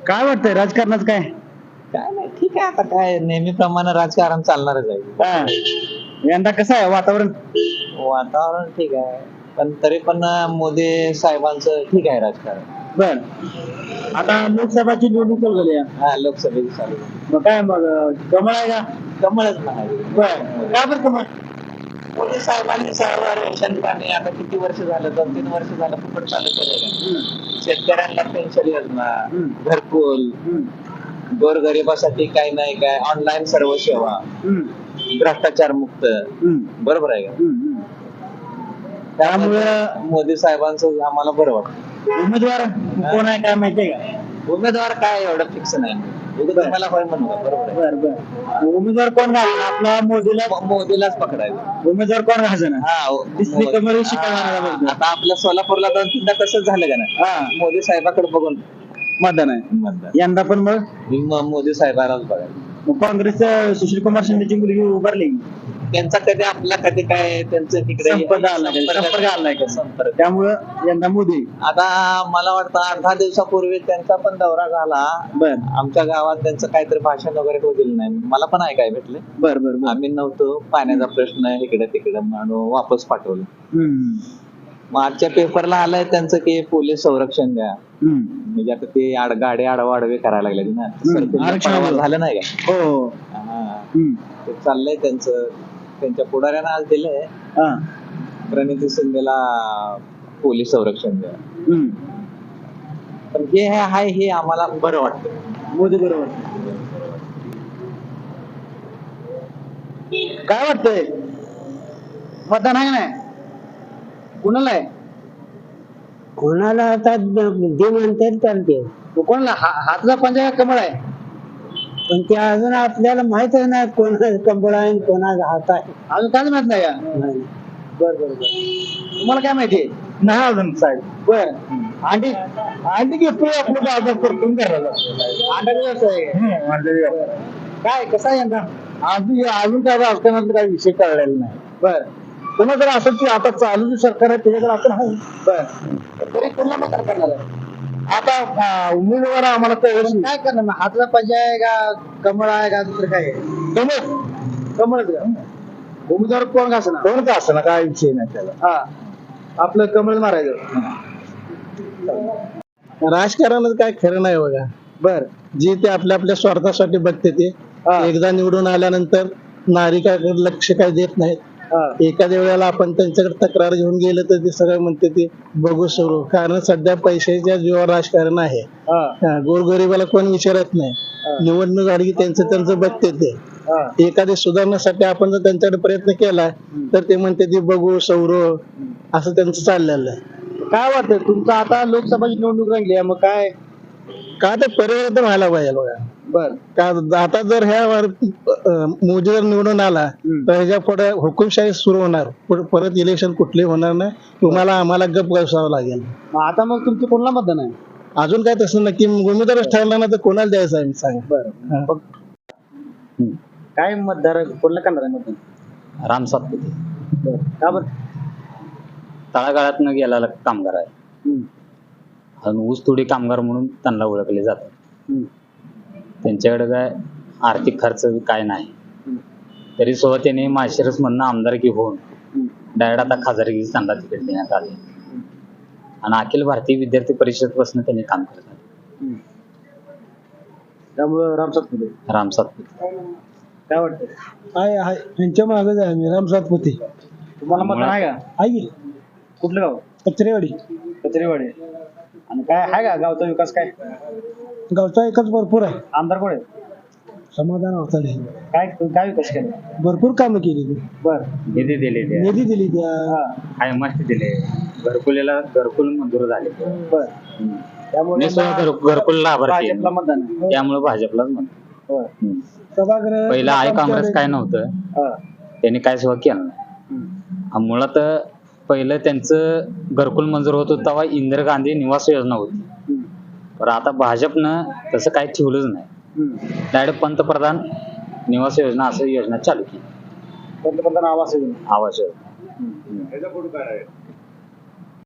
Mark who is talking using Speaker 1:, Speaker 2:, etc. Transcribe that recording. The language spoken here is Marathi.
Speaker 1: काय वाटतंय राजकारणात काय?
Speaker 2: काय नाही, ठीक आहे. आता काय नेहमीप्रमाणे राजकारण चालणारच आहे.
Speaker 1: हा. यंदा कसं आहे वातावरण?
Speaker 2: वातावरण ठीक आहे, पण तरी पण मोदी साहेबांचं ठीक आहे राजकारण.
Speaker 1: बर. आता लोकसभाची निवडणूक चालू झाली आहे.
Speaker 2: हा, लोकसभेची चालू आहे.
Speaker 1: मग काय मग कमळ आहे का?
Speaker 2: कमळच म्हणाले.
Speaker 1: बर. का बरं कमळ?
Speaker 2: मोदी साहेबांनी सर्व रेशन पाणी आता किती वर्ष झालं, 2-3 वर्ष झालं फुकट चालू केलेलं. शेतकऱ्यांना पेन्शन योजना, घरकुल, गोरगरिबासाठी काही नाही काय, ऑनलाईन सर्व सेवा, भ्रष्टाचार मुक्त. बरोबर आहे का? त्यामुळे मोदी साहेबांचं आम्हाला बरं वाटतं.
Speaker 1: उमेदवार कोण आहे काय माहितीये का?
Speaker 2: उमेदवार काय एवढं फिक्स नाही. तुम्हाला होय म्हणू का? बरोबर आहे.
Speaker 1: बर बर. उमेदवार कोण घालणार? आपला
Speaker 2: मोदीलाच पकडायचं.
Speaker 1: उमेदवार कोण घालणार? दिसली कमळ शिकवणार.
Speaker 2: आता आपल्या सोलापूरला 2-3दा तसंच झालं का नाही? मोदी साहेबाकडे बघून
Speaker 1: मतदान आहे. यंदा पण मग
Speaker 2: मोदी साहेबांनाच बघायचं.
Speaker 1: काँग्रेसच्या सुशील कुमार शिंदेची मुलगी उभारली.
Speaker 2: त्यांचा कधी आपला कधी काय त्यांचं तिकडे
Speaker 1: संपर्क आलाय का? त्यामुळं यंदा मोदी.
Speaker 2: आता मला वाटतं 8-10 दिवसापूर्वी त्यांचा पण दौरा झाला.
Speaker 1: बर.
Speaker 2: आमच्या गावात त्यांचं काहीतरी भाषण वगैरे होऊ दिलं नाही. मला पण ऐकाय भेटले.
Speaker 1: बर बर.
Speaker 2: आम्ही नव्हतो, पाण्याचा प्रश्न इकडे तिकडे म्हणून वापस पाठवलं. मग आजच्या पेपरला आलंय त्यांचं की पोलीस संरक्षण द्या. म्हणजे आता ते गाडी आडवे करायला लागले ना, झालं नाही का?
Speaker 1: हो.
Speaker 2: ते चाललंय त्यांचं. त्यांच्या पुढाऱ्यानं आज दिलंय प्रणिती शिंदेला पोलीस संरक्षण द्या. पण जे आहे हे आम्हाला बरं वाटतं.
Speaker 1: मोदी बरोबर. काय वाटतंय मतदान आहे नाही? कुणाला आहे?
Speaker 3: कोणाला आता जे म्हणते चालते,
Speaker 1: कोणाला? हातला पंजा कमळ आहे?
Speaker 3: पण ते अजून आपल्याला माहित आहे ना कोणाचा कंबळ आहे कोणाचा हात आहे.
Speaker 1: अजून काय माहित नाही का? बर बर बर. तुम्हाला काय माहितीये? नाही अजून साहेब. बर. अंडी घेतोय आपलं बाजार करतो करायला. अंडा व्यवसाय काय कसा आहे यंदा? अजून काय राजकारणात काही विषय कळलेला नाही. बर. पुन्हा जर असं की आता चालू जे सरकार आहे त्याच्याकडे आपण आहे. बर. तरी पुन्हा मग करणार आहे. आता उमेदवार आम्हाला काय करणार? हातला पंजा आहे का कमळ आहे का दुसरं काय आहे? कमळच का? उमेदवार कोण का असणार? कोण का असणार काय विषय नाही त्याला. हा, आपलं कमळ मारायचं.
Speaker 3: राजकारणात काय खरं नाही बघा.
Speaker 1: बर.
Speaker 3: जे ते आपल्या स्वार्थासाठी बघते ते एकदा निवडून आल्यानंतर नागरिकांकडे लक्ष काय देत नाहीत. एखाद्या वेळेला आपण त्यांच्याकडे तक्रार घेऊन गेलं तर ते सगळं म्हणते ते बघू सुरू. कारण सध्या पैशाच्या जीवावर राजकारण आहे. गोरगरिबाला कोण विचारत नाही. निवडणूक आली की त्यांचं बघते ते. एखादी सुधारण्यासाठी आपण जर त्यांच्याकडे प्रयत्न केला तर ते म्हणते ते बघू सौरू असं त्यांचं चाललेलं आहे.
Speaker 1: काय वाटतं तुमचं? आता लोकसभाची निवडणूक रंगली आहे, मग काय
Speaker 3: ते परिवर्तन व्हायला पाहिजे बघा.
Speaker 1: बर.
Speaker 3: का आता जर मोदी जर निवडून आला तर ह्याच्या पुढे हुकुमशाही सुरू होणार. परत इलेक्शन कुठले होणार नाही. तुम्हाला आम्हाला गप बसावं लागेल.
Speaker 1: आता मग तुमचं कोणाला मतदान आहे?
Speaker 3: अजून काय तसं नक्की उमेदवारच ठरला ना तर कोणाला द्यायचं आहे सांग.
Speaker 1: बरं. काय मतदार कोणाला करणार आहे मतदान?
Speaker 2: राम सातपुते.
Speaker 1: का बरं?
Speaker 2: तळागाळात न गेलेला कामगार आहे आणि ऊसतोडी कामगार म्हणून त्यांना ओळखले जातात. त्यांच्याकडे काय आर्थिक खर्च काय नाही, तरी सुद्धा त्यांनी माळशिरस मधनं आमदारकी होऊन डायरेक्ट आता खासदारकी त्यांना तिकीट देण्यात आले आणि अखिल भारतीय विद्यार्थी परिषद पासून त्यांनी काम करतात.
Speaker 1: त्यामुळे राम सातपुते. काय वाटतं?
Speaker 3: आहे त्यांच्या मागेच आहे मी, राम सातपुते.
Speaker 1: तुम्हाला मतदान आहे का?
Speaker 3: आहे.
Speaker 1: कुठलं गाव?
Speaker 3: कचरेवाडी.
Speaker 1: आणि काय आहे का गावचा विकास? काय
Speaker 3: गावचा एकच भरपूर आहे.
Speaker 1: आमदार कोण आहे?
Speaker 3: समाधान अवताडे.
Speaker 1: काय विकास केला?
Speaker 3: भरपूर कामं केली ती.
Speaker 1: बर.
Speaker 2: निधी
Speaker 3: दिली त्या.
Speaker 2: हाय मस्त दिले. घरकुल मंजूर झाले.
Speaker 1: बर. त्यामुळे
Speaker 2: घरकुल लाभार्थी
Speaker 1: भाजपला मतदान आहे.
Speaker 2: त्यामुळे भाजपलाच म्हणतो.
Speaker 3: सभागृह
Speaker 2: पहिला आहे काँग्रेस काय नव्हतं, त्यांनी काय सेवा केलं नाही. मुळात पहिलं त्यांचं घरकुल मंजूर होत होतं तेव्हा इंदिरा गांधी निवास योजना होती. पण आता भाजपनं तसं काही ठेवलंच नाही. डायरेक्ट पंतप्रधान निवास योजना असं योजना चालू केली.
Speaker 1: पंतप्रधान आवास योजना.
Speaker 2: आवास योजना.